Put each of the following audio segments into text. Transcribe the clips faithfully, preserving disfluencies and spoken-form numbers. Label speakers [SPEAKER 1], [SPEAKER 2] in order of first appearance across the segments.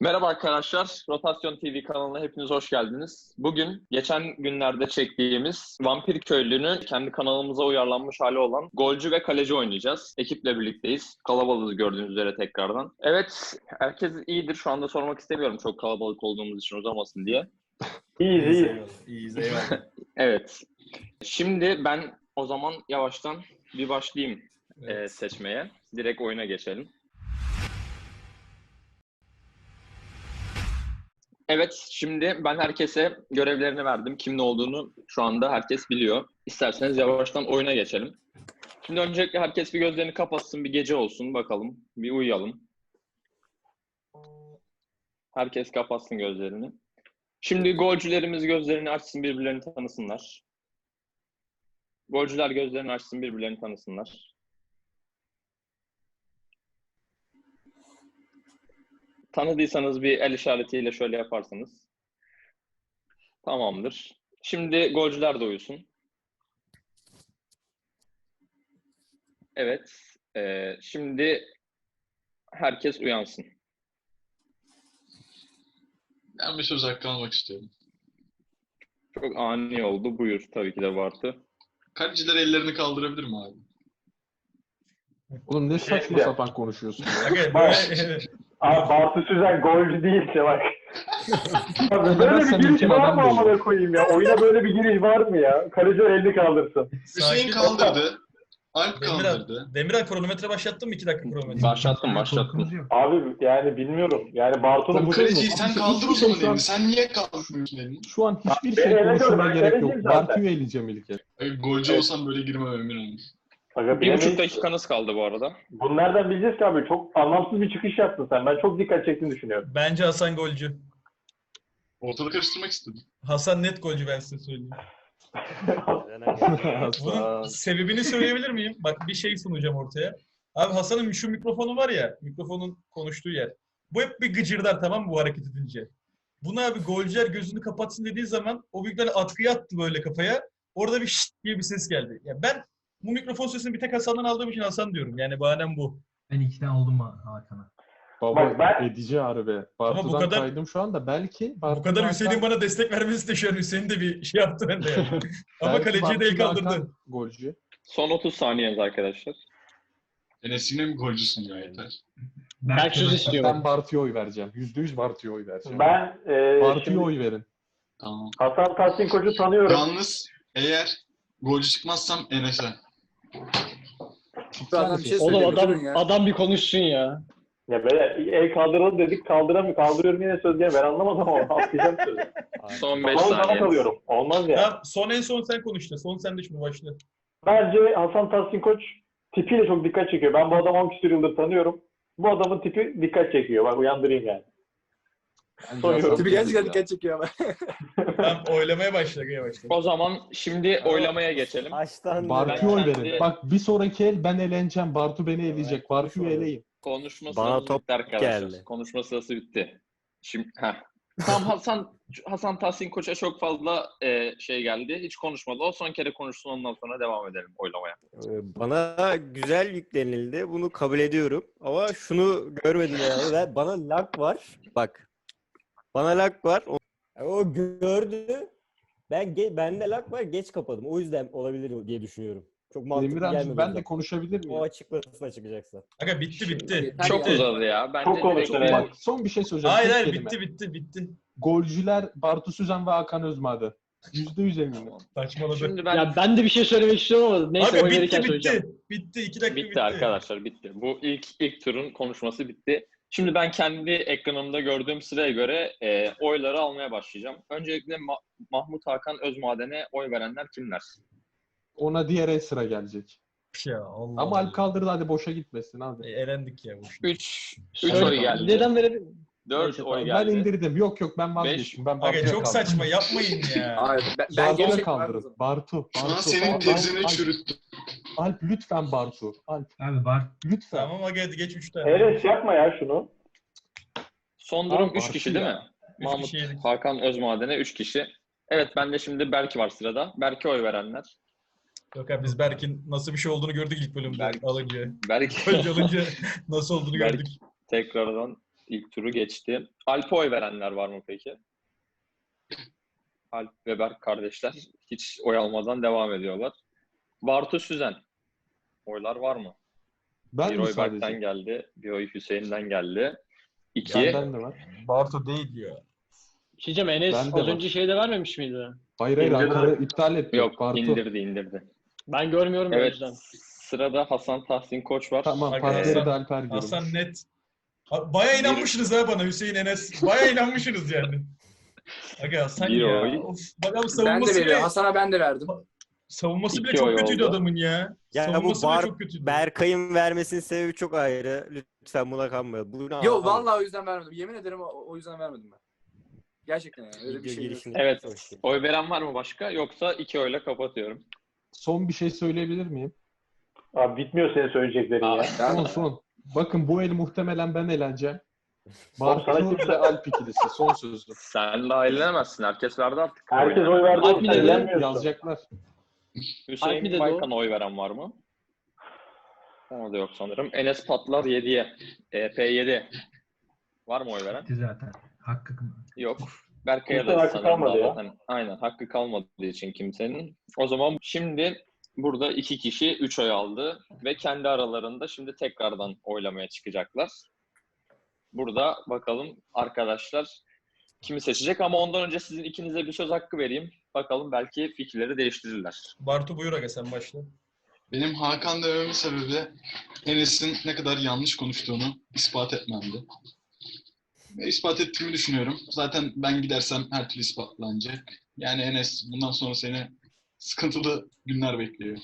[SPEAKER 1] Merhaba arkadaşlar, Rotasyon T V kanalına hepiniz hoş geldiniz. Bugün geçen günlerde çektiğimiz Vampir Köylü'nü kendi kanalımıza uyarlanmış hali olan golcü ve kaleci oynayacağız. Ekiple birlikteyiz. Kalabalığız gördüğünüz üzere tekrardan. Evet, herkes iyidir. Şu anda sormak istemiyorum çok kalabalık olduğumuz için uzamasın diye.
[SPEAKER 2] İyiyiz, iyiyiz.
[SPEAKER 3] İyiyiz, eyvallah.
[SPEAKER 1] Evet, şimdi ben o zaman yavaştan bir başlayayım
[SPEAKER 3] Evet.
[SPEAKER 1] e, seçmeye. Direkt oyuna geçelim. Evet, şimdi ben herkese görevlerini verdim. Kim ne olduğunu şu anda herkes biliyor. İsterseniz yavaştan oyuna geçelim. Şimdi öncelikle herkes bir gözlerini kapatsın, bir gece olsun bakalım. Bir uyuyalım. Herkes kapatsın gözlerini. Şimdi golcülerimiz gözlerini açsın, birbirlerini tanısınlar. Golcüler gözlerini açsın, birbirlerini tanısınlar. Tanıdıysanız bir el işaretiyle şöyle yaparsanız. Tamamdır. Şimdi golcüler de uyusun. Evet. E, şimdi herkes uyansın.
[SPEAKER 3] Ben bir söz hakkı almak istiyorum.
[SPEAKER 1] Çok ani oldu. Buyur tabii ki de Bartu.
[SPEAKER 3] Kaleciler ellerini kaldırabilir mi abi?
[SPEAKER 4] Oğlum ne saçma
[SPEAKER 2] Ya.
[SPEAKER 4] sapan konuşuyorsun ya.
[SPEAKER 3] Aga,
[SPEAKER 2] Bak.
[SPEAKER 3] böyle...
[SPEAKER 2] Abi Bartu Süzen golcü değilse bak. Abi
[SPEAKER 4] Ben
[SPEAKER 2] böyle bir
[SPEAKER 4] senin
[SPEAKER 2] giriş
[SPEAKER 4] için
[SPEAKER 2] var
[SPEAKER 4] adam
[SPEAKER 2] mı
[SPEAKER 4] değilim.
[SPEAKER 2] amına koyayım ya? Oyuna böyle bir giriş var mı ya? Kaleci elini kaldırsın.
[SPEAKER 3] Hüseyin kaldırdı. Alp
[SPEAKER 5] Demirel,
[SPEAKER 3] kaldırdı.
[SPEAKER 5] Demirel kronometre başlattın mı? iki dakika kronometre.
[SPEAKER 1] Başlattım, başlattım.
[SPEAKER 2] Abi yani bilmiyorum. Yani Bartu'nun
[SPEAKER 4] Tabii
[SPEAKER 2] bu
[SPEAKER 4] canım.
[SPEAKER 3] Kaleciyi sen
[SPEAKER 4] Hiçbir
[SPEAKER 3] kaldır o
[SPEAKER 4] şey
[SPEAKER 3] zaman
[SPEAKER 4] şu an-
[SPEAKER 3] elini. Sen niye kaldırmıyorsun elini?
[SPEAKER 4] Şu an hiçbir
[SPEAKER 2] Beni
[SPEAKER 4] şey
[SPEAKER 2] ele
[SPEAKER 4] konuşmama
[SPEAKER 2] gör, ben
[SPEAKER 4] gerek yok.
[SPEAKER 2] kaleciyim zaten.
[SPEAKER 4] Bartu'yu eleyeceğim ilk kez.
[SPEAKER 3] Aga, golcü
[SPEAKER 1] Evet.
[SPEAKER 3] olsam böyle girmem emin olun.
[SPEAKER 2] Aga,
[SPEAKER 1] Bir buçuk
[SPEAKER 2] bilemeyiz.
[SPEAKER 1] dakikanız kaldı bu arada.
[SPEAKER 2] Bunu nereden bileceğiz ki abi? Çok anlamsız bir çıkış yaptın sen. Ben çok dikkat çektiğini düşünüyorum.
[SPEAKER 5] Bence Hasan golcü.
[SPEAKER 3] Ortalığı karıştırmak istedim.
[SPEAKER 5] Hasan net golcü, ben size söyleyeyim. Bunun
[SPEAKER 4] Asla.
[SPEAKER 5] sebebini söyleyebilir miyim? Bak, bir şey sunacağım ortaya. Abi Hasan'ın şu mikrofonu var ya, mikrofonun konuştuğu yer. Bu hep bir gıcırdar, tamam mı, bu hareket edince? Buna abi golcüler gözünü kapatsın dediği zaman o büyükler atkıya attı böyle kafaya. Orada bir şşt diye bir ses geldi. Ya ben bu mikrofon sesini bir tek Hasan'dan aldığım için Hasan diyorum. Yani bahanem bu.
[SPEAKER 6] Ben ikna oldum Hakan'a.
[SPEAKER 4] Baba
[SPEAKER 2] Bak ben-
[SPEAKER 4] edici harbi. Bartu'dan
[SPEAKER 5] kadar-
[SPEAKER 4] kaydım şu anda. Belki
[SPEAKER 5] Bu
[SPEAKER 4] Bartu'dan
[SPEAKER 5] kadar Hüseyin'in
[SPEAKER 4] Hakan-
[SPEAKER 5] bana destek vermesi de şu an Hüseyin de bir şey yaptı bende yani. Ama
[SPEAKER 4] belki
[SPEAKER 5] kaleciye de el
[SPEAKER 4] Bartu'dan
[SPEAKER 5] kaldırdı.
[SPEAKER 4] Hakan golcü.
[SPEAKER 1] Son otuz saniyeniz arkadaşlar.
[SPEAKER 3] Enes yine mi golcüsün ya yeter.
[SPEAKER 6] Ben
[SPEAKER 7] söz istiyorum.
[SPEAKER 4] Ben Bartu'ya oy vereceğim. Yüzde yüz Bartu'ya oy vereceğim.
[SPEAKER 2] Ben e,
[SPEAKER 4] Bartu'ya
[SPEAKER 2] şimdi
[SPEAKER 4] oy verin.
[SPEAKER 3] Tamam.
[SPEAKER 2] Hasan Tahsin Koç'u tanıyorum.
[SPEAKER 3] Yalnız eğer golcü çıkmazsam Enes'e.
[SPEAKER 7] Adam bir şey
[SPEAKER 4] Oğlum
[SPEAKER 7] Oğlum
[SPEAKER 4] adam-
[SPEAKER 7] adam, adam bir konuşsun ya.
[SPEAKER 2] Ya böyle el kaldıralım dedik, kaldıramıyor, kaldırıyorum yine söz gene. Ben anlamadım ama atlayacağım sözü.
[SPEAKER 1] Son beş
[SPEAKER 2] Ama sana
[SPEAKER 1] saniye.
[SPEAKER 2] kalıyorum. Olmaz ya.
[SPEAKER 5] Tamam, son en son sen konuş da. Son sen de şimdi başla.
[SPEAKER 2] Bence Hasan Tahsin Koç tipiyle çok dikkat çekiyor. Ben bu adamı on küsur yıldır tanıyorum. Bu adamın tipi dikkat çekiyor. Bak uyandırayım yani.
[SPEAKER 4] Bence
[SPEAKER 2] Soyuyorum.
[SPEAKER 4] Hasan
[SPEAKER 7] Tipi
[SPEAKER 4] golcü
[SPEAKER 7] gerçekten
[SPEAKER 4] ya.
[SPEAKER 7] dikkat çekiyor ama.
[SPEAKER 5] Tamam, oylamaya başla. Gaya başla.
[SPEAKER 1] O zaman şimdi oylamaya geçelim.
[SPEAKER 8] Baştan
[SPEAKER 4] Bartu'ya oy
[SPEAKER 1] Ben
[SPEAKER 4] verin.
[SPEAKER 1] kendi-
[SPEAKER 4] Bak bir sonraki el ben eleneceğim. Bartu beni eleyecek. Bartu'yu eleyin.
[SPEAKER 1] Konuşma
[SPEAKER 8] Bana
[SPEAKER 1] sırası
[SPEAKER 8] top
[SPEAKER 1] bitti arkadaşlar.
[SPEAKER 8] geldi.
[SPEAKER 1] Konuşma sırası bitti. Şimdi heh. Tam Hasan Hasan Tahsin Koç'a çok fazla e, şey geldi. Hiç konuşmadı. O son kere konuşsun, ondan sonra devam edelim oylamaya.
[SPEAKER 8] Bana güzel yüklenildi. Bunu kabul ediyorum. Ama şunu görmedim yani. Ve bana lag var. Bak. Bana lag var. O, o gördü. Ben ge- bende lag var. Geç kapadım. O yüzden olabilir diye düşünüyorum. Çok mantıklı
[SPEAKER 4] Demirel'cim
[SPEAKER 8] gelmedi.
[SPEAKER 4] ben
[SPEAKER 8] o
[SPEAKER 4] de
[SPEAKER 8] yüzden.
[SPEAKER 4] konuşabilir
[SPEAKER 8] O
[SPEAKER 4] miyim?
[SPEAKER 8] açıklasına çıkacaksa.
[SPEAKER 5] Aga bitti bitti.
[SPEAKER 1] Çok
[SPEAKER 5] Bitti.
[SPEAKER 1] uzadı ya. Bence
[SPEAKER 2] Çok
[SPEAKER 1] direkt-
[SPEAKER 2] konuştun, evet.
[SPEAKER 4] Bak son bir şey söyleyeceğim.
[SPEAKER 5] Hayır
[SPEAKER 4] Tek
[SPEAKER 5] hayır
[SPEAKER 4] kelime.
[SPEAKER 5] bitti bitti bitti.
[SPEAKER 4] Golcüler Bartu Süzen ve Hakan Özmadı. Yüzde yüz eminim.
[SPEAKER 5] Saçmaladı.
[SPEAKER 1] Şimdi ben
[SPEAKER 7] Ya ben de bir şey söylemek istiyorum ama neyse
[SPEAKER 5] Aga
[SPEAKER 7] oy verirken
[SPEAKER 5] bitti
[SPEAKER 7] söyleyeceğim.
[SPEAKER 5] bitti. Bitti. iki dakika bitti.
[SPEAKER 1] bitti arkadaşlar, bitti. Bu ilk ilk turun konuşması bitti. Şimdi ben kendi ekranımda gördüğüm sıraya göre e, oyları almaya başlayacağım. Öncelikle Ma- Mahmut Hakan Özmaden'e oy verenler kimler?
[SPEAKER 4] Ona diğer el sıra gelecek.
[SPEAKER 5] Ya Allah.
[SPEAKER 4] Ama Alp kaldırdı, hadi boşa gitmesin abi.
[SPEAKER 5] E, elendik ya. boşuna.
[SPEAKER 1] üç üç
[SPEAKER 7] Söyle,
[SPEAKER 1] oy geldi.
[SPEAKER 7] Neden verelim?
[SPEAKER 1] dört
[SPEAKER 7] Neyse,
[SPEAKER 1] oy
[SPEAKER 7] tamam.
[SPEAKER 4] Ben
[SPEAKER 1] geldi.
[SPEAKER 4] indirdim. Yok yok ben vazgeçtim. Ben
[SPEAKER 5] Aga
[SPEAKER 4] Bartu'ya
[SPEAKER 5] çok
[SPEAKER 4] kaldım.
[SPEAKER 5] saçma, yapmayın ya.
[SPEAKER 7] Hayır, ben, ben
[SPEAKER 4] Bartu'ya
[SPEAKER 7] gerçekten
[SPEAKER 4] kaldırın. Bartu.
[SPEAKER 3] Şu an
[SPEAKER 4] Bartu.
[SPEAKER 3] senin
[SPEAKER 4] Alp,
[SPEAKER 3] tezini
[SPEAKER 4] Alp,
[SPEAKER 3] çürüttüm.
[SPEAKER 4] Alp lütfen Bartu. Alp
[SPEAKER 6] Abi var.
[SPEAKER 4] lütfen.
[SPEAKER 5] Tamam aga, hadi geç üç tane.
[SPEAKER 2] Enes yapma ya şunu.
[SPEAKER 1] Son durum
[SPEAKER 4] Abi,
[SPEAKER 1] üç kişi
[SPEAKER 4] Bartu
[SPEAKER 1] değil
[SPEAKER 4] ya.
[SPEAKER 1] mi?
[SPEAKER 5] Üç
[SPEAKER 1] Mahmut
[SPEAKER 5] kişi yedik.
[SPEAKER 1] Hakan Özmaden'e üç kişi. Evet, ben de şimdi Berk var sırada. Berk'e oy verenler.
[SPEAKER 5] Yok abi, biz Berk'in nasıl bir şey olduğunu gördük ilk bölümde
[SPEAKER 1] Berk.
[SPEAKER 5] alınca.
[SPEAKER 1] Berk
[SPEAKER 5] Önce alınca nasıl olduğunu
[SPEAKER 1] Berk.
[SPEAKER 5] gördük.
[SPEAKER 1] tekrardan ilk turu geçti. Alp'e oy verenler var mı peki? Alp ve Berk kardeşler hiç oy almadan devam ediyorlar. Bartu Süzen. Oylar var mı?
[SPEAKER 4] Ben
[SPEAKER 1] Bir
[SPEAKER 4] mi
[SPEAKER 1] oy
[SPEAKER 4] sadece?
[SPEAKER 1] Berk'ten geldi. Bir oy Hüseyin'den geldi. İki.
[SPEAKER 4] Benden de var.
[SPEAKER 5] Bartu değil ya.
[SPEAKER 7] Bir şey diyeceğim, Enes
[SPEAKER 4] Ben de
[SPEAKER 7] az
[SPEAKER 4] var.
[SPEAKER 7] önce şeyde vermemiş miydi?
[SPEAKER 4] Hayır hayır
[SPEAKER 2] İndirdi.
[SPEAKER 4] Hakan'ı iptal etti.
[SPEAKER 1] Yok
[SPEAKER 4] Bartu.
[SPEAKER 1] indirdi indirdi.
[SPEAKER 7] Ben görmüyorum o
[SPEAKER 1] Evet.
[SPEAKER 7] yüzden.
[SPEAKER 1] Sırada Hasan Tahsin Koç var.
[SPEAKER 4] Tamam
[SPEAKER 5] Bak,
[SPEAKER 4] partileri
[SPEAKER 5] Hasan-
[SPEAKER 4] de Alper görmüş.
[SPEAKER 5] Hasan net. Ha, Baya inanmışsınız ha bana Hüseyin Enes. Baya inanmışsınız yani. Aga Hasan
[SPEAKER 1] Bir
[SPEAKER 5] ya.
[SPEAKER 1] oy.
[SPEAKER 5] Of, bak abi
[SPEAKER 9] Ben de
[SPEAKER 5] savunması
[SPEAKER 9] veriyorum.
[SPEAKER 5] bile,
[SPEAKER 9] Hasan'a ben de verdim.
[SPEAKER 5] savunması bile
[SPEAKER 1] İki
[SPEAKER 5] çok
[SPEAKER 1] oy
[SPEAKER 5] kötüydü
[SPEAKER 1] oldu.
[SPEAKER 5] adamın ya.
[SPEAKER 8] Ya bu
[SPEAKER 5] savunması bile
[SPEAKER 8] Bar
[SPEAKER 5] çok kötüydü.
[SPEAKER 8] Berkay'ın vermesinin sebebi çok ayrı. Lütfen buna kanmayalım. Bu ne
[SPEAKER 9] Yo
[SPEAKER 8] abi?
[SPEAKER 9] vallahi o yüzden vermedim. Yemin ederim o, o yüzden vermedim ben. Gerçekten yani. Öyle bir
[SPEAKER 8] Video
[SPEAKER 9] şey yok.
[SPEAKER 8] girişinde
[SPEAKER 1] Evet.
[SPEAKER 8] konuşayım.
[SPEAKER 1] Oy veren var mı başka? Yoksa iki oyla kapatıyorum.
[SPEAKER 4] Son bir şey söyleyebilir miyim?
[SPEAKER 2] Abi bitmiyor senin söyleyeceklerin
[SPEAKER 1] Aa,
[SPEAKER 2] ya.
[SPEAKER 4] Son son. Bakın bu el muhtemelen ben eleneceğim.
[SPEAKER 2] Oğlum sana
[SPEAKER 4] Bartu
[SPEAKER 2] kimse-
[SPEAKER 4] ve Alp ikilisi. Son sözüm.
[SPEAKER 1] Sen de ailenemezsin. Herkes verdi artık.
[SPEAKER 2] Herkes
[SPEAKER 1] oyunu.
[SPEAKER 2] oy verdi.
[SPEAKER 7] Alp
[SPEAKER 2] oğlum,
[SPEAKER 7] mi
[SPEAKER 2] sen
[SPEAKER 7] dedi?
[SPEAKER 2] eğlenmiyorsun.
[SPEAKER 4] Yazacaklar.
[SPEAKER 1] Hüseyin
[SPEAKER 7] Alp mi dedi
[SPEAKER 1] Baykan'a oy veren var mı? Ona da yok sanırım. Enes Patlar yediye. E P yedi. Var mı oy veren?
[SPEAKER 6] Gitti zaten. Hakkı
[SPEAKER 1] Yok. Berkay'a
[SPEAKER 2] Kimsenin
[SPEAKER 1] da
[SPEAKER 2] hakkı
[SPEAKER 1] sanırım
[SPEAKER 2] kalmadı
[SPEAKER 1] daha
[SPEAKER 2] ya.
[SPEAKER 1] zaten. Aynen. Hakkı kalmadığı için kimsenin. O zaman şimdi burada iki kişi üç oy aldı. Ve kendi aralarında şimdi tekrardan oylamaya çıkacaklar. Burada bakalım arkadaşlar kimi seçecek ama ondan önce sizin ikinize bir söz hakkı vereyim. Bakalım belki fikirleri değiştirirler.
[SPEAKER 5] Bartu buyur aga sen başla.
[SPEAKER 3] Benim Hakan dememin sebebi Enes'in ne kadar yanlış konuştuğunu ispat etmemdi. Ve ispat ettiğimi düşünüyorum. Zaten ben gidersem her türlü ispatlanacak. Yani Enes bundan sonra seni sıkıntılı günler bekliyor.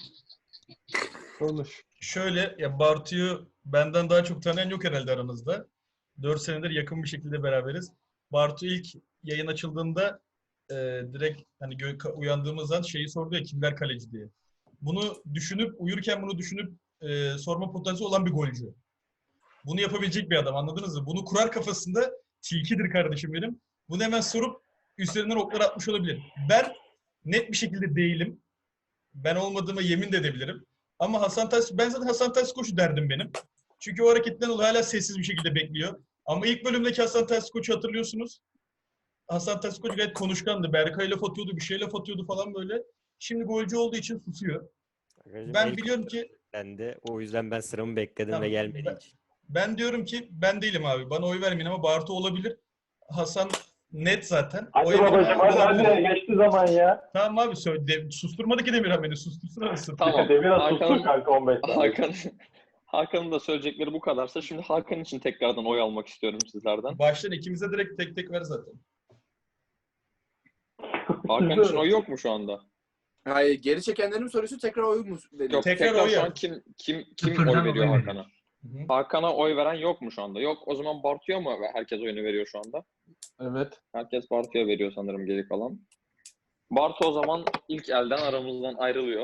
[SPEAKER 4] Konuş.
[SPEAKER 5] Şöyle ya Bartu'yu benden daha çok tanıyan yok herhalde aranızda. dört senedir yakın bir şekilde beraberiz. Bartu ilk yayın açıldığında e, direkt hani gö- uyandığımız an şeyi sordu ya kimler kaleci diye. Bunu düşünüp uyurken bunu düşünüp e, sorma potansiyeli olan bir golcü. Bunu yapabilecek bir adam anladınız mı? Bunu kurar kafasında tilkidir kardeşim benim. Bunu hemen sorup üstlerinden oklar atmış olabilir. Ben net bir şekilde değilim. Ben olmadığıma yemin de edebilirim. Ama Hasan Tahsin, ben zaten Hasan Tahsin Koç'u derdim benim. Çünkü o hareketten dolayı hala sessiz bir şekilde bekliyor. Ama ilk bölümdeki Hasan Tahsin Koç'u hatırlıyorsunuz. Hasan Tahsin Koç gayet konuşkandı. Berkay laf atıyordu, bir şey laf atıyordu falan böyle. Şimdi golcü olduğu için susuyor. Ben biliyorum ki
[SPEAKER 8] Ben de o yüzden ben sıramı bekledim
[SPEAKER 5] Tamam,
[SPEAKER 8] ve gelmedi
[SPEAKER 5] ben-
[SPEAKER 8] hiç.
[SPEAKER 5] ben diyorum ki ben değilim abi. Bana oy vermeyin ama Bartu olabilir. Hasan net zaten.
[SPEAKER 2] Hadi
[SPEAKER 5] Oy vermeyin
[SPEAKER 2] babacım
[SPEAKER 5] ama
[SPEAKER 2] hadi
[SPEAKER 5] olabilir.
[SPEAKER 2] hadi geçti zaman ya.
[SPEAKER 5] Tamam abi söyle. De, susturmadı ki Demirhan beni. Sustursun arasın.
[SPEAKER 1] Tamam.
[SPEAKER 2] Demirhan
[SPEAKER 1] Hakan-
[SPEAKER 2] sustur kanka on beş saniye.
[SPEAKER 1] Hakan Hakan'ın da söyleyecekleri bu kadarsa şimdi Hakan için tekrardan oy almak istiyorum sizlerden.
[SPEAKER 5] Baştan ikimize direkt tek tek ver zaten.
[SPEAKER 1] Hakan için oy yok mu şu anda?
[SPEAKER 9] Hayır, geri çekenlerin mi soruyorsun tekrar oy mu dedi?
[SPEAKER 1] Yok.
[SPEAKER 5] Tekrar
[SPEAKER 1] Tekrar,
[SPEAKER 5] oy
[SPEAKER 1] şu
[SPEAKER 5] yap.
[SPEAKER 1] an kim kim kim
[SPEAKER 6] Sıfırdan
[SPEAKER 1] oy
[SPEAKER 6] oy
[SPEAKER 1] veriyor
[SPEAKER 6] veriyor.
[SPEAKER 1] Hakan'a?
[SPEAKER 5] Hı hı.
[SPEAKER 1] Hakan'a oy veren yok mu şu anda? Yok. O zaman Bartu'ya mı herkes oyunu veriyor şu anda?
[SPEAKER 4] Evet.
[SPEAKER 1] Herkes Bartu'ya veriyor sanırım geri kalan. Bartu o zaman ilk elden aramızdan ayrılıyor.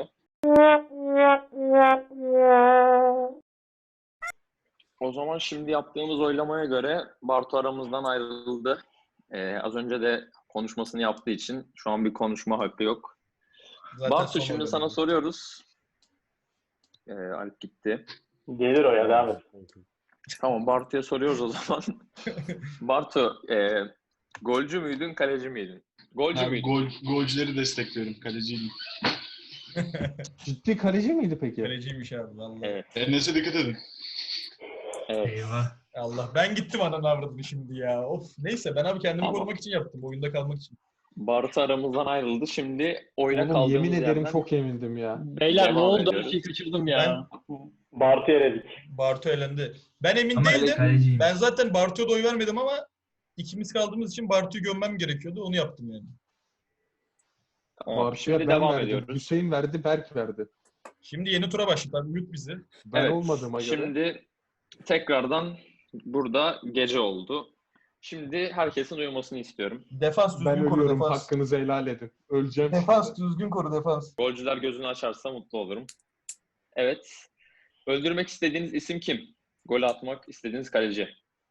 [SPEAKER 1] O zaman şimdi yaptığımız oylamaya göre Bartu aramızdan ayrıldı. Ee, az önce de konuşmasını yaptığı için şu an bir konuşma hakkı yok.
[SPEAKER 5] Zaten
[SPEAKER 1] Bartu
[SPEAKER 5] son
[SPEAKER 1] şimdi
[SPEAKER 5] oyladı.
[SPEAKER 1] sana soruyoruz. Ee, Alp gitti.
[SPEAKER 2] Gelir o ya devam et.
[SPEAKER 1] Tamam Bartu'ya soruyoruz o zaman. Bartu, e, golcü müydün, kaleci miydin? Golcü
[SPEAKER 3] Ben
[SPEAKER 1] müydün?
[SPEAKER 3] gol, golcüleri destekliyorum. Kaleciyim.
[SPEAKER 4] Ciddi kaleci miydi peki?
[SPEAKER 5] Kaleciymiş abi vallahi.
[SPEAKER 1] Evet.
[SPEAKER 3] Enes'e dikkat edin.
[SPEAKER 1] Evet.
[SPEAKER 6] Eyvah.
[SPEAKER 5] Allah ben gittim ananı avradını şimdi ya. Of neyse ben abi kendimi
[SPEAKER 1] Tamam.
[SPEAKER 5] korumak için yaptım. Oyunda kalmak için.
[SPEAKER 1] Bartu aramızdan ayrıldı. Şimdi oyuna
[SPEAKER 4] Oğlum
[SPEAKER 1] kaldığımız
[SPEAKER 4] yemin ederim
[SPEAKER 1] yerden...
[SPEAKER 4] çok emindim ya.
[SPEAKER 7] Beyler ne
[SPEAKER 1] Devam
[SPEAKER 7] oldu?
[SPEAKER 1] ediyoruz.
[SPEAKER 7] Bir şey kaçırdım ya.
[SPEAKER 2] Bartu eledik.
[SPEAKER 5] Bartu elendi. Ben emin
[SPEAKER 6] Ama
[SPEAKER 5] değildim.
[SPEAKER 6] kaleciyim.
[SPEAKER 5] Ben zaten Bartu'ya da oy vermedim ama ikimiz kaldığımız için Bartu'yu gömmem gerekiyordu. Onu yaptım yani.
[SPEAKER 1] Tamam,
[SPEAKER 4] Bartu'ya
[SPEAKER 1] şimdi
[SPEAKER 4] ben
[SPEAKER 1] devam
[SPEAKER 4] verdim.
[SPEAKER 1] ediyoruz.
[SPEAKER 4] Hüseyin verdi, Berk verdi.
[SPEAKER 5] Şimdi yeni tura başladık. Mute bizi.
[SPEAKER 4] Ben
[SPEAKER 1] Evet,
[SPEAKER 4] olmadığıma göre.
[SPEAKER 1] Şimdi tekrardan burada gece oldu. Şimdi herkesin uyumasını istiyorum.
[SPEAKER 5] Defans düzgün
[SPEAKER 4] Ben
[SPEAKER 5] koru
[SPEAKER 4] ölüyorum,
[SPEAKER 5] defans.
[SPEAKER 4] hakkınızı helal edin. Öleceğim.
[SPEAKER 5] Defans düzgün koru defans.
[SPEAKER 1] Golcüler gözünü açarsa mutlu olurum. Evet. Öldürmek istediğiniz isim kim? Gol atmak istediğiniz kaleci.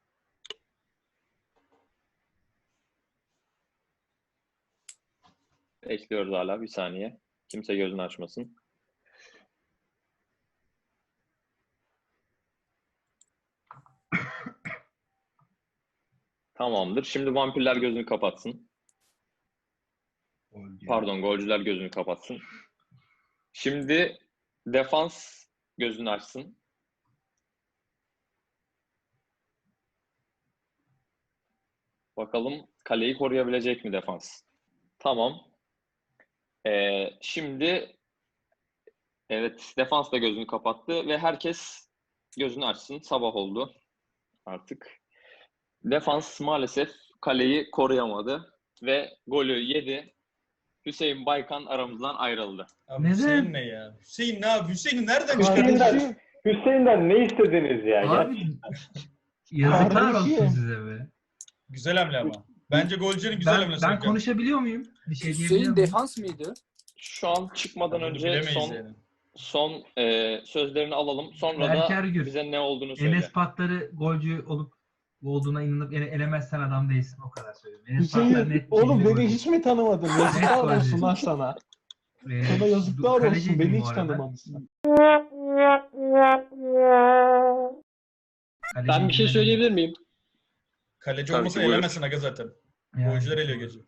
[SPEAKER 1] Bekliyoruz hala bir saniye. Kimse gözünü açmasın. Tamamdır. Şimdi vampirler gözünü kapatsın. Pardon, golcüler gözünü kapatsın. Şimdi defans gözünü açsın. Bakalım kaleyi koruyabilecek mi defans? Tamam. Ee, şimdi evet, defans da gözünü kapattı ve herkes gözünü açsın. Sabah oldu artık. Defans maalesef kaleyi koruyamadı ve golü yedi. Hüseyin Baykan aramızdan ayrıldı.
[SPEAKER 5] Abi
[SPEAKER 6] Neden?
[SPEAKER 5] Hüseyin ne ya? Hüseyin ne abi? Hüseyin'i nereden çıkardın?
[SPEAKER 2] Hüseyin'den, Hüseyin'den ne istediniz ya? Ya
[SPEAKER 6] Abi yazıklar olsun
[SPEAKER 4] Kardeşim.
[SPEAKER 6] size be.
[SPEAKER 5] Güzel hamle ama. Bence golcünün güzel
[SPEAKER 6] Ben,
[SPEAKER 5] hamlesi.
[SPEAKER 6] ben
[SPEAKER 5] Hakan.
[SPEAKER 6] konuşabiliyor muyum? Bir şey diyebiliyor
[SPEAKER 9] Hüseyin
[SPEAKER 6] muyum?
[SPEAKER 9] defans mıydı?
[SPEAKER 1] Şu an çıkmadan
[SPEAKER 5] Bunu
[SPEAKER 1] önce
[SPEAKER 5] bilemeyiz
[SPEAKER 1] son
[SPEAKER 5] yani.
[SPEAKER 1] son e, sözlerini alalım. Sonra
[SPEAKER 6] Berk
[SPEAKER 1] da
[SPEAKER 6] Ergür.
[SPEAKER 1] bize ne olduğunu söyle.
[SPEAKER 6] Enes Patlar'ı golcü olup olduğuna inanıp ele, elemezsen adam değilsin, o kadar söylüyorum. Enes Patlar
[SPEAKER 4] Hüseyin,
[SPEAKER 6] net bir
[SPEAKER 4] oğlum
[SPEAKER 6] şekilde
[SPEAKER 4] beni
[SPEAKER 6] golcü.
[SPEAKER 4] hiç mi tanımadın? Yazıklar olsun lan sana.
[SPEAKER 6] Ee,
[SPEAKER 4] Sana yazıklar olsun.
[SPEAKER 6] kaleciydim
[SPEAKER 4] Beni
[SPEAKER 6] bu
[SPEAKER 4] hiç
[SPEAKER 6] arada.
[SPEAKER 4] tanımamışsın.
[SPEAKER 6] Kaleciydim,
[SPEAKER 7] Ben bir şey
[SPEAKER 6] elemedim.
[SPEAKER 7] söyleyebilir miyim?
[SPEAKER 5] Kaleci
[SPEAKER 1] Tabii
[SPEAKER 5] olmasa
[SPEAKER 1] ki, buyur.
[SPEAKER 5] elemezsin aga zaten.
[SPEAKER 6] Yani.
[SPEAKER 5] Golcüler eliyor gözü.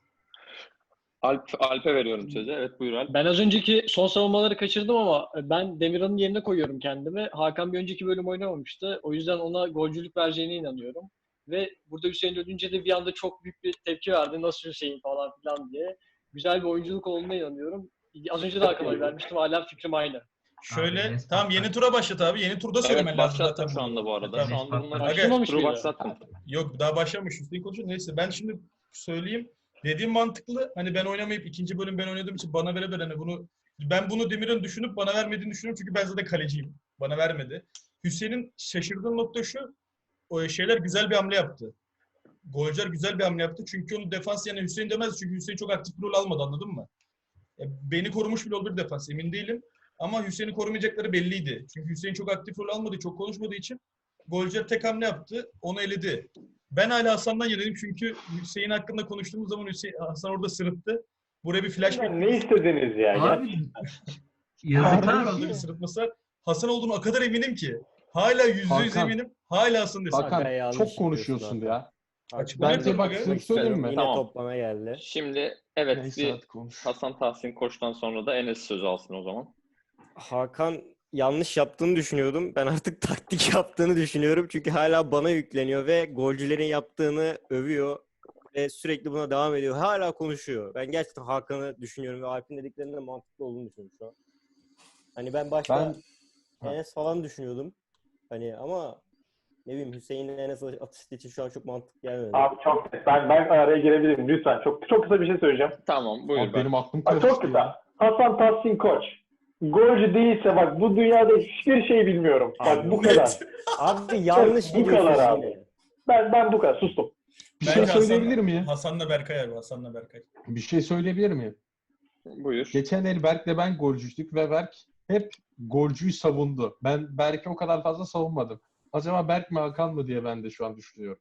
[SPEAKER 1] Alp, Alp'e veriyorum sözü. Evet, buyur Alp.
[SPEAKER 7] Ben az önceki son savunmaları kaçırdım ama ben Demirhan'ın yerine koyuyorum kendimi. Hakan bir önceki bölüm oynamamıştı. O yüzden ona golcülük vereceğine inanıyorum. Ve burada Hüseyin ölünce de bir anda çok büyük bir tepki verdi. Nasıl Hüseyin falan filan diye. Güzel bir oyunculuk olduğuna inanıyorum. Az önce de Hakan'a oy vermiştim. Hala fikrim aynı.
[SPEAKER 5] Şöyle,
[SPEAKER 6] Abi, Enes
[SPEAKER 5] tamam
[SPEAKER 6] Patlar.
[SPEAKER 5] yeni tura başlat abi. Yeni turda söylemen
[SPEAKER 1] Evet,
[SPEAKER 5] lazım zaten.
[SPEAKER 1] başlattım şu anda bu arada.
[SPEAKER 5] Tamam.
[SPEAKER 1] Şu anda bunları
[SPEAKER 7] Başlamamış
[SPEAKER 1] turu
[SPEAKER 7] mıydı?
[SPEAKER 1] başlattım.
[SPEAKER 5] Yok daha başlamış. Hüseyin konuşuyor. Neyse ben şimdi söyleyeyim. Dediğim mantıklı. Hani ben oynamayıp ikinci bölüm ben oynadığım için bana vere hani bunu ben bunu Demir'in düşünüp bana vermediğini düşünüyorum çünkü ben zaten kaleciyim. Bana vermedi. Hüseyin'in şaşırdığım nokta şu. O şeyler güzel bir hamle yaptı. Golcüler güzel bir hamle yaptı. Çünkü onu defans yani Hüseyin demez çünkü Hüseyin çok aktif bir rol almadı, anladın mı? Ya beni korumuş bile olabilir defans, emin değilim. Ama Hüseyin'i korumayacakları belliydi. Çünkü Hüseyin çok aktif rol almadığı, çok konuşmadığı için golcüler tek hamle yaptı. Onu eledi. Ben hala Hasan'dan yanayım çünkü Hüseyin hakkında konuştuğumuz zaman Hüseyin, Hasan orada sırıttı. Buraya bir flashback.
[SPEAKER 2] ne istediniz ya? Ya
[SPEAKER 6] Abi yazıklar
[SPEAKER 5] Hasan'ın
[SPEAKER 6] olsun.
[SPEAKER 5] bir sırıtması var. Hasan olduğunu o kadar eminim ki. Hala yüzde yüz
[SPEAKER 4] Hakan.
[SPEAKER 5] eminim. Hala Hasan desin.
[SPEAKER 4] Hakan
[SPEAKER 8] Hakan yanlış
[SPEAKER 4] çok konuşuyorsun
[SPEAKER 8] yapıyorsun
[SPEAKER 4] ya.
[SPEAKER 5] Açıklama
[SPEAKER 4] Bence
[SPEAKER 5] yapıyorum
[SPEAKER 4] bak
[SPEAKER 5] aga.
[SPEAKER 4] sırf söyleyeyim mi?
[SPEAKER 8] Yine
[SPEAKER 1] Tamam.
[SPEAKER 8] toplama geldi.
[SPEAKER 1] Şimdi evet,
[SPEAKER 4] Neyse
[SPEAKER 1] bir
[SPEAKER 4] hadi konuş.
[SPEAKER 1] Hasan Tahsin Koç'tan sonra da Enes sözü alsın o zaman.
[SPEAKER 8] Hakan yanlış yaptığını düşünüyordum. Ben artık taktik yaptığını düşünüyorum. Çünkü hala bana yükleniyor ve golcülerin yaptığını övüyor. Ve sürekli buna devam ediyor. Hala konuşuyor. Ben gerçekten Hakan'ı düşünüyorum ve Alp'in dediklerinin de mantıklı olduğunu düşünüyorum şu an. Hani ben başta
[SPEAKER 4] Ben
[SPEAKER 8] Enes falan düşünüyordum. Hani ama ne bileyim Hüseyin'le Enes atıştığı için şu an çok mantıklı gelmedi.
[SPEAKER 2] Abi çok ben ben araya girebilirim lütfen. Çok çok kısa bir şey söyleyeceğim.
[SPEAKER 1] Tamam, buyur
[SPEAKER 4] abi
[SPEAKER 1] ben.
[SPEAKER 4] benim aklım
[SPEAKER 2] Bak çok
[SPEAKER 4] karıştı
[SPEAKER 2] kısa.
[SPEAKER 4] ya.
[SPEAKER 2] Hasan Tahsin Koç. Golcü değilse bak bu dünyada hiçbir şey bilmiyorum. Bak
[SPEAKER 8] Abi,
[SPEAKER 2] bu kadar.
[SPEAKER 8] Abi yanlış
[SPEAKER 2] Bu
[SPEAKER 8] gidiyorsun
[SPEAKER 2] kadar
[SPEAKER 8] yine.
[SPEAKER 2] abi. Ben ben bu kadar sustum.
[SPEAKER 4] Bir
[SPEAKER 5] Bence
[SPEAKER 4] şey söyleyebilir
[SPEAKER 5] Hasan-
[SPEAKER 4] miyim?
[SPEAKER 5] Hasan'la Berkay abi. Hasan'la Berkay.
[SPEAKER 4] Bir şey söyleyebilir miyim?
[SPEAKER 1] Buyur.
[SPEAKER 4] Geçen el Berk'le ben golcüydük ve Berk hep golcüyü savundu. Ben Berk'i o kadar fazla savunmadım. Acaba Berk mi Hakan mı diye ben de şu an düşünüyorum.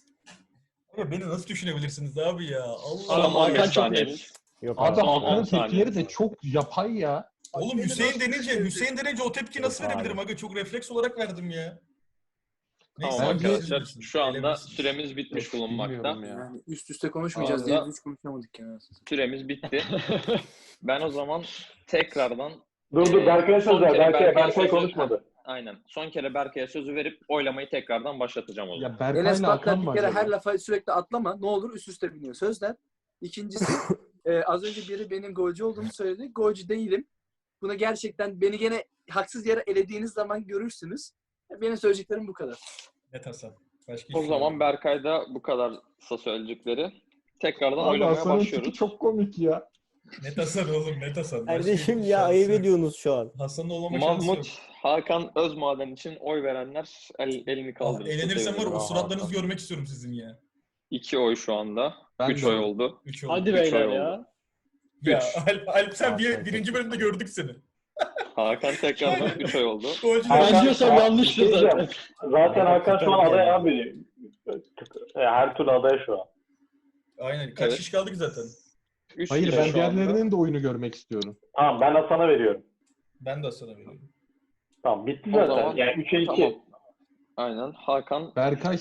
[SPEAKER 5] Abi beni nasıl düşünebilirsiniz abi ya? Allah
[SPEAKER 1] Son
[SPEAKER 7] Adam
[SPEAKER 5] Allah.
[SPEAKER 7] Hakan
[SPEAKER 1] on beş
[SPEAKER 7] çok
[SPEAKER 1] saniyeniz.
[SPEAKER 8] Yok
[SPEAKER 4] Abi
[SPEAKER 8] abi.
[SPEAKER 4] Hakan'ın
[SPEAKER 1] on saniye.
[SPEAKER 4] tepkileri de çok yapay ya.
[SPEAKER 5] Oğlum Hüseyin denince, Hüseyin denince o tepki nasıl
[SPEAKER 8] Yok abi.
[SPEAKER 5] verebilirim aga? Çok refleks olarak verdim ya.
[SPEAKER 1] Tamam
[SPEAKER 5] Neyse,
[SPEAKER 4] Bence-
[SPEAKER 5] siz
[SPEAKER 1] arkadaşlar,
[SPEAKER 5] bilirsiniz.
[SPEAKER 1] şu anda
[SPEAKER 5] Bilebilirsiniz.
[SPEAKER 1] süremiz bitmiş
[SPEAKER 4] Yok,
[SPEAKER 1] bulunmakta.
[SPEAKER 4] bilmiyorum ya.
[SPEAKER 9] Yani üst üste konuşmayacağız
[SPEAKER 1] Vallahi-
[SPEAKER 9] diye hiç konuşamadık yani.
[SPEAKER 1] Süremiz bitti. Ben o zaman tekrardan
[SPEAKER 2] Dur dur
[SPEAKER 1] Ee,
[SPEAKER 2] Berkay'a
[SPEAKER 1] son
[SPEAKER 2] söz ver.
[SPEAKER 1] kere
[SPEAKER 2] Berkay,
[SPEAKER 1] Berkay'a
[SPEAKER 2] Berkay
[SPEAKER 1] söz-
[SPEAKER 2] konuşmadı.
[SPEAKER 1] aynen son kere Berkay'a sözü verip oylamayı tekrardan başlatacağım o zaman.
[SPEAKER 4] Ya
[SPEAKER 9] Enes
[SPEAKER 4] Berkay'la
[SPEAKER 9] Patlar
[SPEAKER 4] Hakan mı
[SPEAKER 9] bir kere
[SPEAKER 4] acaba?
[SPEAKER 9] her lafa sürekli atlama. Ne olur üst üste biniyor. Sözler. İkincisi e, az önce biri benim golcü olduğumu söyledi. Golcü değilim. Bunu gerçekten beni gene haksız yere elediğiniz zaman görürsünüz. Benim söyleyeceklerim bu kadar.
[SPEAKER 5] Net Hasan. Başka
[SPEAKER 1] O
[SPEAKER 5] hiçbir
[SPEAKER 1] zaman
[SPEAKER 5] şey yok.
[SPEAKER 1] Berkay'da bu kadarsa söyleyecekleri. Tekrardan
[SPEAKER 4] Abi
[SPEAKER 1] oylamaya
[SPEAKER 4] Hasan'ın
[SPEAKER 1] başlıyoruz.
[SPEAKER 4] tipi çok komik ya.
[SPEAKER 5] Net Hasan oğlum, net Hasan. Başka
[SPEAKER 8] Kardeşim
[SPEAKER 5] hiçbir
[SPEAKER 8] ya
[SPEAKER 5] şansı
[SPEAKER 8] ayıp
[SPEAKER 5] yok.
[SPEAKER 8] ediyorsunuz şu an.
[SPEAKER 5] Hasan'ın olmama şansı yok.
[SPEAKER 1] Mahmut, Hakan Özmaden için oy verenler el, elini
[SPEAKER 5] Ah,
[SPEAKER 1] kaldırın.
[SPEAKER 5] eğlenirsem var ya, o
[SPEAKER 4] Ya
[SPEAKER 5] suratlarınızı
[SPEAKER 4] Hakan.
[SPEAKER 5] görmek istiyorum sizin ya.
[SPEAKER 1] İki oy şu anda.
[SPEAKER 4] Ben
[SPEAKER 1] Üç
[SPEAKER 4] de-
[SPEAKER 1] oy oldu.
[SPEAKER 5] Üç oldu.
[SPEAKER 7] Hadi
[SPEAKER 1] Üç
[SPEAKER 7] beyler
[SPEAKER 1] ay
[SPEAKER 7] ya.
[SPEAKER 1] oldu.
[SPEAKER 5] Ya
[SPEAKER 1] Üç.
[SPEAKER 5] Alp, Alp sen bir,
[SPEAKER 4] Hakan
[SPEAKER 5] birinci
[SPEAKER 4] çok
[SPEAKER 5] bölümde gördük seni.
[SPEAKER 1] Hakan tekrardan üç oy oldu.
[SPEAKER 5] Golcüler.
[SPEAKER 2] Hakan-
[SPEAKER 7] Ben diyorsam
[SPEAKER 2] Hakan-
[SPEAKER 7] yanlıştır
[SPEAKER 2] bir şey
[SPEAKER 7] zaten.
[SPEAKER 2] diyeceğim. Zaten Hakan şu an
[SPEAKER 8] Hakan
[SPEAKER 2] aday
[SPEAKER 8] geldi.
[SPEAKER 2] abi. Her türlü aday şu an.
[SPEAKER 5] Aynen. Kaç
[SPEAKER 1] Evet.
[SPEAKER 5] kişi kaldı ki zaten?
[SPEAKER 1] Üç
[SPEAKER 4] Hayır
[SPEAKER 1] kişi
[SPEAKER 4] ben
[SPEAKER 1] şu anda.
[SPEAKER 4] diğerlerinin de oyunu görmek istiyorum.
[SPEAKER 2] Tamam ben Hasan'a veriyorum.
[SPEAKER 5] Ben de Hasan'a veriyorum.
[SPEAKER 2] Tamam bitti
[SPEAKER 1] O
[SPEAKER 2] zaten.
[SPEAKER 1] zaman-
[SPEAKER 2] Yani üçe iki.
[SPEAKER 1] Tamam. Aynen. Hakan
[SPEAKER 4] Berkay sen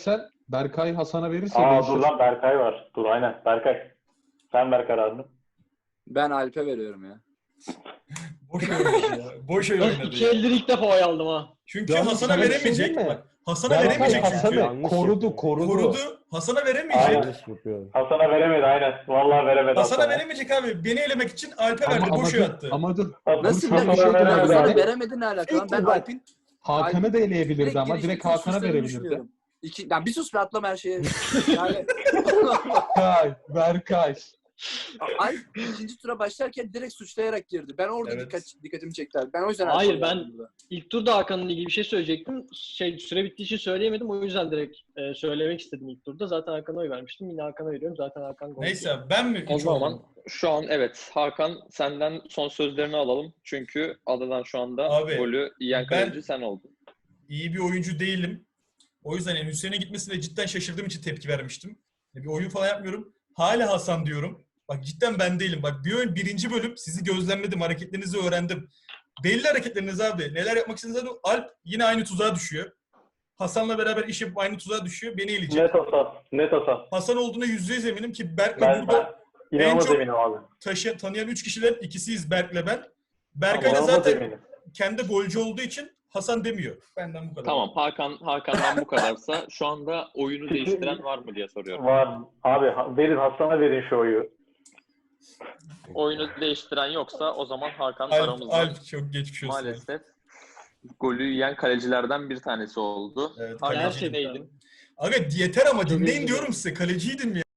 [SPEAKER 4] Berkay Hasan'a verirse
[SPEAKER 2] Aa
[SPEAKER 4] değişir.
[SPEAKER 2] dur lan Berkay var. Dur aynen Berkay. Sen ver kararını.
[SPEAKER 9] Ben Alp'e veriyorum ya.
[SPEAKER 5] Boş oynadı ya. Boş oy oynadı
[SPEAKER 7] İki
[SPEAKER 5] ya.
[SPEAKER 7] eldir ilk defa oy aldım ha.
[SPEAKER 5] Çünkü
[SPEAKER 4] Yalnız
[SPEAKER 5] Hasan'a
[SPEAKER 4] sana bir şey
[SPEAKER 5] veremeyecek.
[SPEAKER 4] diyeyim mi?
[SPEAKER 5] Bak, Hasan'a
[SPEAKER 4] Berkay
[SPEAKER 5] veremeyecek çünkü.
[SPEAKER 4] Hasan'ı
[SPEAKER 8] Yanlış
[SPEAKER 4] korudu,
[SPEAKER 8] yapıyor.
[SPEAKER 4] korudu.
[SPEAKER 5] Korudu. Hasan'a veremeyecek.
[SPEAKER 2] Aynen.
[SPEAKER 8] Yanlış yapıyor.
[SPEAKER 2] Hasan'a veremedi aynen. Vallahi veremedi
[SPEAKER 5] Hasan'a
[SPEAKER 2] Hasan'a.
[SPEAKER 5] veremeyecek abi. Beni elemek için Alp'e
[SPEAKER 4] Ama,
[SPEAKER 5] verdi.
[SPEAKER 4] ama,
[SPEAKER 5] Boş
[SPEAKER 4] dur,
[SPEAKER 5] oy attı.
[SPEAKER 4] ama dur.
[SPEAKER 9] Nasıl
[SPEAKER 4] Hasan'a
[SPEAKER 9] ya?
[SPEAKER 4] bir şey
[SPEAKER 2] Hasan'a
[SPEAKER 4] diyeceğim.
[SPEAKER 2] veremedi
[SPEAKER 9] Hasan'a
[SPEAKER 2] abi.
[SPEAKER 9] veremedi ne alaka lan? Ben
[SPEAKER 2] Bak,
[SPEAKER 9] Alp'in
[SPEAKER 4] Hakan'ı da eleyebilirdi
[SPEAKER 9] direkt
[SPEAKER 4] ama
[SPEAKER 9] geliştiği
[SPEAKER 4] direkt Hakan'a
[SPEAKER 9] suçlarını
[SPEAKER 4] verebilirdi.
[SPEAKER 9] düşünüyorum. İki, yani bir sus be atlama her şeye. Yani
[SPEAKER 4] Berkay, Berkay.
[SPEAKER 9] Alp ikinci tura başlarken direkt suçlayarak girdi. Ben orada
[SPEAKER 5] Evet.
[SPEAKER 9] dikkat, dikkatimi çekti abi. Ben o yüzden
[SPEAKER 7] Hayır,
[SPEAKER 9] Alp'e
[SPEAKER 7] ben-
[SPEAKER 9] verdim burada.
[SPEAKER 7] İlk turda Hakan'la ilgili bir şey söyleyecektim. Şey süre bittiği için söyleyemedim. O yüzden direkt e, söylemek istedim ilk turda. Zaten Hakan'a oy vermiştim. Yine Hakan'a veriyorum. Zaten Hakan gol.
[SPEAKER 5] Neyse abi, ben mi
[SPEAKER 1] O
[SPEAKER 5] üç
[SPEAKER 1] zaman
[SPEAKER 5] oldum?
[SPEAKER 1] şu an evet Hakan senden son sözlerini alalım. Çünkü adadan şu anda
[SPEAKER 5] Abi,
[SPEAKER 1] golü yiyen
[SPEAKER 5] ben-
[SPEAKER 1] kaleci sen oldun.
[SPEAKER 5] İyi bir oyuncu değilim. O yüzden yani Hüseyin'e gitmesine cidden şaşırdığım için tepki vermiştim. Bir oyun falan yapmıyorum. Hala Hasan diyorum. Bak cidden ben değilim. Bak bir oyun birinci bölüm sizi gözlemledim. Hareketlerinizi öğrendim. Belli hareketleriniz abi. Neler yapmak istediğinizi Alp yine aynı tuzağa düşüyor. Hasan'la beraber iş yapıp aynı tuzağa düşüyor. Beni eleyecek.
[SPEAKER 2] Net Hasan. Net Hasan.
[SPEAKER 5] Hasan olduğuna yüzde yüz eminim ki Berk'le
[SPEAKER 2] Ben,
[SPEAKER 5] burada
[SPEAKER 2] ben inanılmaz
[SPEAKER 5] çok-
[SPEAKER 2] eminim abi.
[SPEAKER 5] taşıyan, tanıyan üç kişiler ikisiyiz Berk'le ben. Berkay da
[SPEAKER 2] İnanılmaz
[SPEAKER 5] zaten
[SPEAKER 2] eminim.
[SPEAKER 5] kendi golcü olduğu için Hasan demiyor. Benden bu kadar.
[SPEAKER 1] Tamam Hakan Hakan'dan bu kadarsa şu anda oyunu değiştiren var mı diye soruyorum.
[SPEAKER 2] Var. Abi ha- verin Hasan'a verin şu oyu.
[SPEAKER 1] Oyunu değiştiren yoksa o zaman Hakan
[SPEAKER 5] Alp,
[SPEAKER 1] aramızda
[SPEAKER 5] Alp çok geçmiş olsun.
[SPEAKER 1] maalesef golü yiyen kalecilerden bir tanesi oldu.
[SPEAKER 5] Evet,
[SPEAKER 1] Hakan
[SPEAKER 5] kaleci.
[SPEAKER 7] Gerçekten.
[SPEAKER 1] neydin?
[SPEAKER 5] Aga yeter ama
[SPEAKER 7] Çok
[SPEAKER 5] dinleyin
[SPEAKER 7] üzüldüm.
[SPEAKER 5] diyorum size. Kaleciydim ya.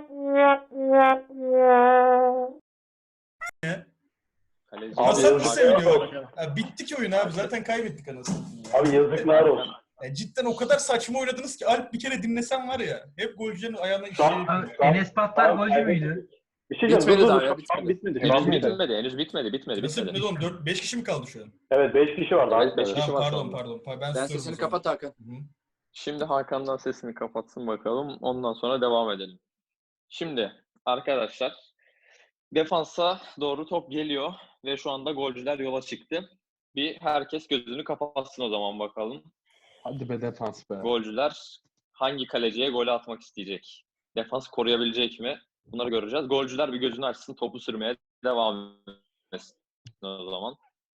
[SPEAKER 1] Kaleci.
[SPEAKER 2] Abi
[SPEAKER 5] Hasan mı
[SPEAKER 2] yazık-
[SPEAKER 5] seviniyor? Ya, bitti ki oyun abi. Zaten kaybettik anasını.
[SPEAKER 2] Abi yazıklar olsun.
[SPEAKER 5] Ya, cidden o kadar saçma oynadınız ki Alp bir kere dinlesen var ya. Hep golcülerin ayağına işe
[SPEAKER 2] Tamam.
[SPEAKER 6] Abi,
[SPEAKER 2] Tamam.
[SPEAKER 6] Enes Patlar
[SPEAKER 2] Tamam,
[SPEAKER 6] golcü
[SPEAKER 2] kaybettik.
[SPEAKER 6] müydü?
[SPEAKER 2] Bir şey diyeceğim.
[SPEAKER 9] Bitmedi
[SPEAKER 2] dur, dur,
[SPEAKER 9] daha
[SPEAKER 2] dur.
[SPEAKER 9] ya,
[SPEAKER 2] Tam
[SPEAKER 9] bitmedi.
[SPEAKER 2] bitmedi.
[SPEAKER 1] Henüz
[SPEAKER 2] Tam bitmedi.
[SPEAKER 1] bitmedi, henüz bitmedi, bitmedi,
[SPEAKER 5] Nasıl
[SPEAKER 1] bitmedi.
[SPEAKER 5] ne oğlum? dört beş kişi mi kaldı şu an?
[SPEAKER 2] Evet beş kişi var daha.
[SPEAKER 1] Evet, beş
[SPEAKER 2] bitmedi.
[SPEAKER 1] kişi.
[SPEAKER 5] Tamam,
[SPEAKER 1] var şu
[SPEAKER 5] pardon
[SPEAKER 1] anda.
[SPEAKER 5] pardon. Pa- Ben,
[SPEAKER 9] Ben
[SPEAKER 5] susuyorum
[SPEAKER 9] sesini
[SPEAKER 5] o zaman.
[SPEAKER 9] kapat Hakan.
[SPEAKER 5] Hı hı.
[SPEAKER 1] Şimdi Hakan'dan sesini kapatsın bakalım. Ondan sonra devam edelim. Şimdi arkadaşlar defansa doğru top geliyor ve şu anda golcüler yola çıktı. Bir herkes gözünü kapatsın o zaman bakalım.
[SPEAKER 4] Hadi be defans be.
[SPEAKER 1] Golcüler hangi kaleciye gol atmak isteyecek? Defans koruyabilecek mi? Bunları göreceğiz. Golcüler bir gözünü açsın, topu sürmeye devam etsin o zaman.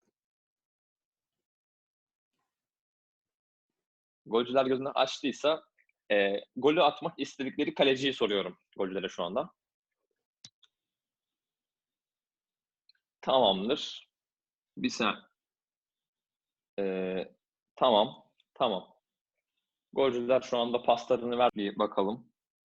[SPEAKER 1] Golcüler gözünü açtıysa e, golü atmak istedikleri kaleciyi soruyorum golcülere şu anda. Tamamdır. Bir saniye. Ee, tamam. Tamam. Golcüler şu anda paslarını ver bir bakalım.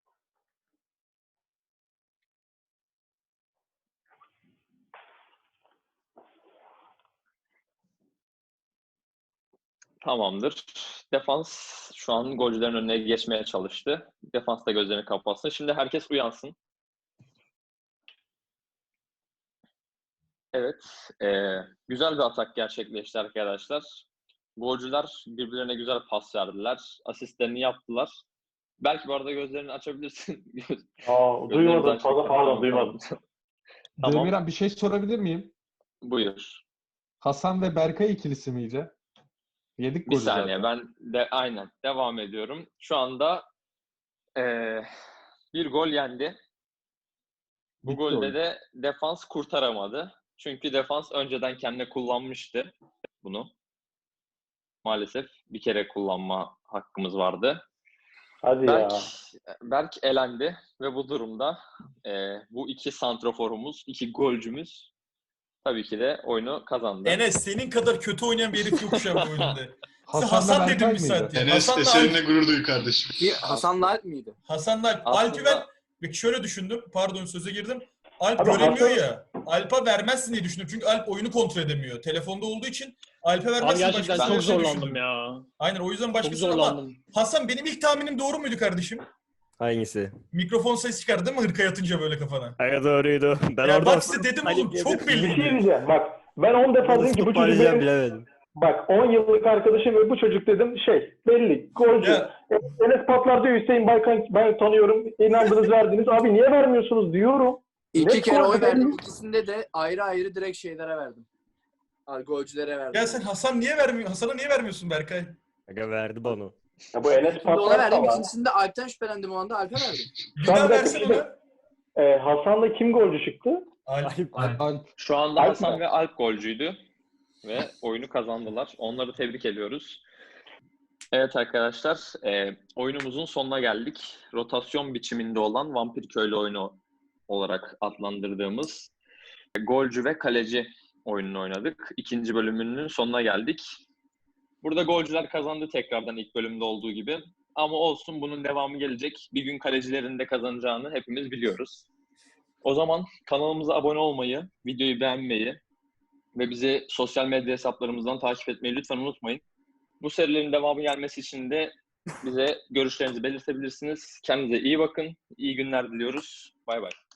[SPEAKER 1] Tamamdır. Defans şu an golcülerin önüne geçmeye çalıştı. Defans da gözlerini kapatsın. Şimdi herkes uyansın. Evet. E, güzel bir atak gerçekleşti arkadaşlar. Golcüler birbirlerine güzel pas verdiler. Asistlerini yaptılar. Belki bu arada gözlerini açabilirsin.
[SPEAKER 2] Aa,
[SPEAKER 1] Gözlerini
[SPEAKER 2] duymadım.
[SPEAKER 1] aç-
[SPEAKER 2] Fazla pardon duymadım.
[SPEAKER 1] Tamam.
[SPEAKER 4] Demirhan bir şey sorabilir miyim?
[SPEAKER 1] Buyur.
[SPEAKER 4] Hasan ve Berkay ikilisi miydi? Yedik
[SPEAKER 1] Bir
[SPEAKER 4] golü
[SPEAKER 1] saniye
[SPEAKER 4] zaten.
[SPEAKER 1] ben de aynen devam ediyorum. Şu anda eee, bir gol yendi. Bu
[SPEAKER 4] Bitti
[SPEAKER 1] golde
[SPEAKER 4] oyun.
[SPEAKER 1] de defans kurtaramadı. Çünkü defans önceden kendine kullanmıştı bunu. Maalesef bir kere kullanma hakkımız vardı.
[SPEAKER 2] Hadi
[SPEAKER 1] Berk,
[SPEAKER 2] ya.
[SPEAKER 1] Berk elendi ve bu durumda eee, bu iki santraforumuz, iki golcümüz tabii ki de oyunu kazandı.
[SPEAKER 5] Enes senin kadar kötü oynayan bir herif yok şu an bu oyunda. Size
[SPEAKER 4] Hasan'la
[SPEAKER 5] Hasan
[SPEAKER 4] Berkay
[SPEAKER 5] dedim bir
[SPEAKER 4] mıydı?
[SPEAKER 5] saat ya.
[SPEAKER 3] Enes
[SPEAKER 5] Hasan'la
[SPEAKER 3] eserine
[SPEAKER 5] Alp.
[SPEAKER 3] gurur duy kardeşim.
[SPEAKER 9] Bir Hasan'la Alp miydi?
[SPEAKER 5] Hasan'la Alp.
[SPEAKER 1] Aslında-
[SPEAKER 5] Alp'i ben peki şöyle düşündüm. Pardon söze girdim. Alp
[SPEAKER 2] Abi
[SPEAKER 5] göremiyor
[SPEAKER 2] Hasan-
[SPEAKER 5] ya. Alp'a vermezsin diye düşündüm. Çünkü Alp oyunu kontrol edemiyor. Telefonda olduğu için Alp'e
[SPEAKER 7] Abi
[SPEAKER 5] vermezsin.
[SPEAKER 7] gerçekten
[SPEAKER 5] başkasına
[SPEAKER 7] çok
[SPEAKER 5] verirsin
[SPEAKER 7] zorlandım
[SPEAKER 5] düşündüm.
[SPEAKER 7] ya.
[SPEAKER 5] Aynen o yüzden
[SPEAKER 7] Çok
[SPEAKER 5] başkasına ama
[SPEAKER 7] zorlandım.
[SPEAKER 5] Hasan benim ilk tahminim doğru muydu kardeşim?
[SPEAKER 8] Hangisi?
[SPEAKER 5] Mikrofon ses çıkardı değil mi hırka yatınca böyle kafana?
[SPEAKER 8] Aga doğruydu. Ben
[SPEAKER 5] Ya
[SPEAKER 8] orada
[SPEAKER 5] bak size dedim oğlum çok
[SPEAKER 2] Bir şey
[SPEAKER 5] belliydi.
[SPEAKER 2] diyeceğim. Bak ben on defa dedim ki bu çocuk
[SPEAKER 8] toparlayacağım
[SPEAKER 2] benim,
[SPEAKER 8] bilemedim.
[SPEAKER 2] bak on yıllık arkadaşım ve bu çocuk dedim şey belli golcü.
[SPEAKER 5] Ya,
[SPEAKER 2] Enes Patlar diyor Hüseyin Baykan ben tanıyorum. İnandınız verdiniz. Abi niye vermiyorsunuz diyorum.
[SPEAKER 9] İki
[SPEAKER 2] Ne
[SPEAKER 9] kere oy
[SPEAKER 2] korkuyorum.
[SPEAKER 9] verdim. İkisinde de ayrı ayrı direkt şeylere verdim. Ay, golcülere verdim.
[SPEAKER 5] ya sen Hasan niye vermiyor? Hasan'a niye vermiyorsun Berkay?
[SPEAKER 8] Aga verdi bana.
[SPEAKER 2] Ya bu Enes
[SPEAKER 9] Şimdi ona
[SPEAKER 2] Patlar
[SPEAKER 9] verdim.
[SPEAKER 2] ama.
[SPEAKER 9] İkincisinde Alp'ten şüphelendim o anda. Alp'e verdim.
[SPEAKER 5] Bir
[SPEAKER 2] Şu an
[SPEAKER 5] daha
[SPEAKER 2] bir
[SPEAKER 5] versin
[SPEAKER 2] dakika,
[SPEAKER 5] ona.
[SPEAKER 2] Ee, Hasan'la kim golcü çıktı?
[SPEAKER 5] Alp.
[SPEAKER 6] Alp.
[SPEAKER 4] Alp.
[SPEAKER 1] Şu anda
[SPEAKER 2] Alp
[SPEAKER 1] Hasan
[SPEAKER 2] mi?
[SPEAKER 1] ve Alp golcüydü ve oyunu kazandılar. Onları tebrik ediyoruz. Evet arkadaşlar, e, oyunumuzun sonuna geldik. Rotasyon biçiminde olan Vampir Köylü oyunu olarak adlandırdığımız golcü ve kaleci oyununu oynadık. İkinci bölümünün sonuna geldik. Burada golcüler kazandı tekrardan ilk bölümde olduğu gibi. Ama olsun, bunun devamı gelecek. Bir gün kalecilerin de kazanacağını hepimiz biliyoruz. O zaman kanalımıza abone olmayı, videoyu beğenmeyi ve bizi sosyal medya hesaplarımızdan takip etmeyi lütfen unutmayın. Bu serilerin devamı gelmesi için de bize görüşlerinizi belirtebilirsiniz. Kendinize iyi bakın. İyi günler diliyoruz. Bay bay.